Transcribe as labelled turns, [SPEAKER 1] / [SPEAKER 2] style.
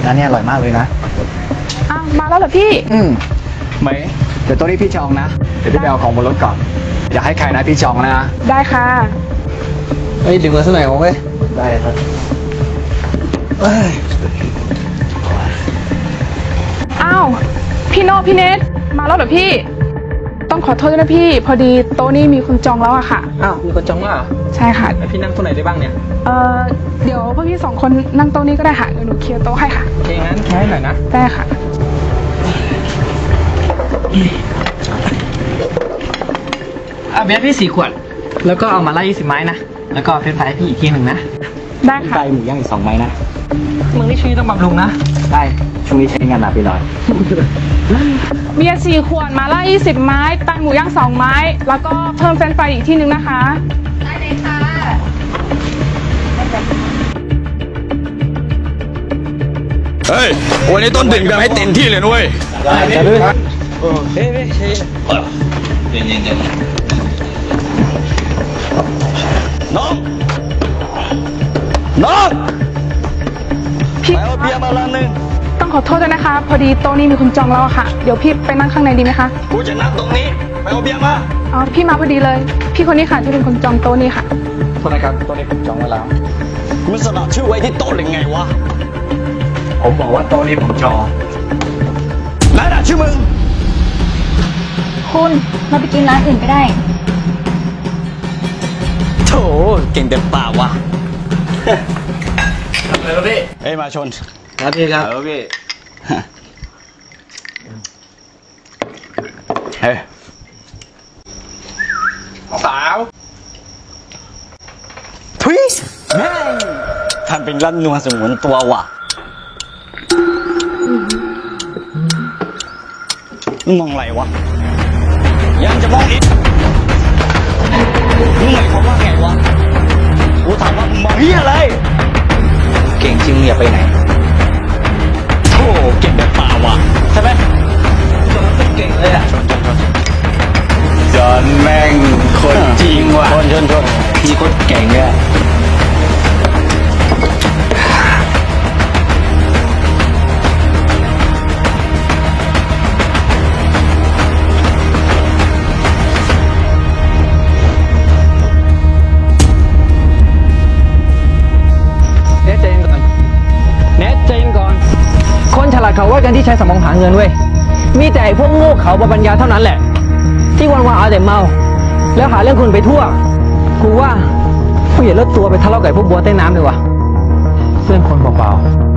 [SPEAKER 1] ร้านนี้อร่อยมากเลยนะ
[SPEAKER 2] อ้าวมาแล้วเหรอพี่
[SPEAKER 1] ไหมเดี๋ยวตัวนี้พี่จองนะ เดี๋ยวพี่ไปเอาของบนรถก่อน อย่าให้ใครนะพี่จองนะ
[SPEAKER 2] ได้ค่ะ
[SPEAKER 1] เฮ้ยดึงมาสักหน่อยของเว้ยได้ครับเอ้ย
[SPEAKER 2] อ้าวพี่โนพี่เนทมาแล้วเหรอพี่ ต้องขอโทษด้วยนะพี่ พอดีโต๊ะนี้มีคนจองแล้วอะค่ะ
[SPEAKER 3] อ้าวมีคนจองแล้วเหรอ
[SPEAKER 2] ใช่ค่ะ
[SPEAKER 3] แล้วพี่นั่งตัวไหนได้บ้างเนี่ย
[SPEAKER 2] เดี๋ยวพวกพี่สองคนนั่งโต๊ะนี้ก็ได้ค่ะเดี๋ยวหนูเคลียร์โต๊ะให้ค่ะ
[SPEAKER 3] โอเคงั้นแค่หน่อยนะ
[SPEAKER 2] ได้ค่ะ
[SPEAKER 3] เบียร์พี่4 ขวด แล้วก็เอามาไล่20 ไม้นะ แล้วก็เฟรนช์ฟรายให้พี่อีกทีหนึ่งนะ
[SPEAKER 2] ได้
[SPEAKER 1] ไก่
[SPEAKER 2] ค่ะ
[SPEAKER 1] หมูย่างอีก2 ไม้นะ
[SPEAKER 3] มึงนี่ช่วงนี้ต้องบำรุงนะ
[SPEAKER 1] ได้ ช่วงนี้ใช้งานหนักไปหน่อย
[SPEAKER 2] เบียร์4 ขวดมาล่า20 ไม้ไตหมูย่าง2 ไม้ แล้วก็เพิ่มเฟรนช์ฟรายอีกที่นึงนะคะ
[SPEAKER 4] ได้เลยค่ะ
[SPEAKER 5] เฮ้ย วันนี้ต้นดื่มกันให้เต็มที่เลยนุ้ย
[SPEAKER 1] จะด้วย
[SPEAKER 5] น้อง น้อง
[SPEAKER 2] พี่
[SPEAKER 5] ไปเอาเบียร์มาลังหนึ่ง
[SPEAKER 2] ต้องขอโทษด้วยนะคะ พอดีโต๊ะนี้มีคนจองแล้วอะค่ะ เดี๋ยวพี่ไปนั่งข้างในดีไหมคะ
[SPEAKER 5] กูจะนั่งตรงนี้ ไปเอาเบียร์มา
[SPEAKER 2] อ๋อพี่มาพอดีเลย พี่คนนี้ค่ะที่เป็นคนจองโต๊ะนี้ค่ะ
[SPEAKER 1] โทษนะครับตัวนี้ผมจองไว้แล้ว
[SPEAKER 5] มึงสลักชื่อไว้ที่โต๊ะหรือไงวะ
[SPEAKER 1] ผมบอกว่าโต๊ะนี้ผมจอง
[SPEAKER 5] แล้วน่ะชื่อมึง
[SPEAKER 4] คุณเราไปกินร้านอื่นก็ได้
[SPEAKER 5] โถเก่งแต่ปากวะอะไรวะพี่เอ้ยมาชน
[SPEAKER 1] ครับพี่ครับ
[SPEAKER 5] เออพี่ เฮ้ย
[SPEAKER 3] สาว
[SPEAKER 5] ทุยแม่งทำเป็นรันนัวสมุนตัวว่ะมึงมองอะไรวะ ยังจะมองอีกมึงหมายความว่าไงวะ กูถามว่ามึงมองเฮียอะไร
[SPEAKER 1] เก่งจริงอย่าไปไหน
[SPEAKER 5] โธ่เก่งแบบป่าวะใช่ไหม
[SPEAKER 3] เก่งเลยอ่ะ
[SPEAKER 5] จอนแม่งคนจริงว่ะชนพี่โคตรเก่งเลย
[SPEAKER 3] เนทใจเย็นก่อนเนทใจเย็นก่อน คนฉลาดเขาว่ากันที่ใช้สมองหาเงินเว้ย มีแต่ไอ้พวกโง่เขาบปัญญาเท่านั้นแหละ ที่วันๆเอาแต่เมา แล้วหาเรื่องคนไปทั่ว กูว่ากูอย่าลดตัวไปทะเลาะกับไอ้พวกบัวใต้น้ำเลยวะเพื่อนคนเปล่าๆ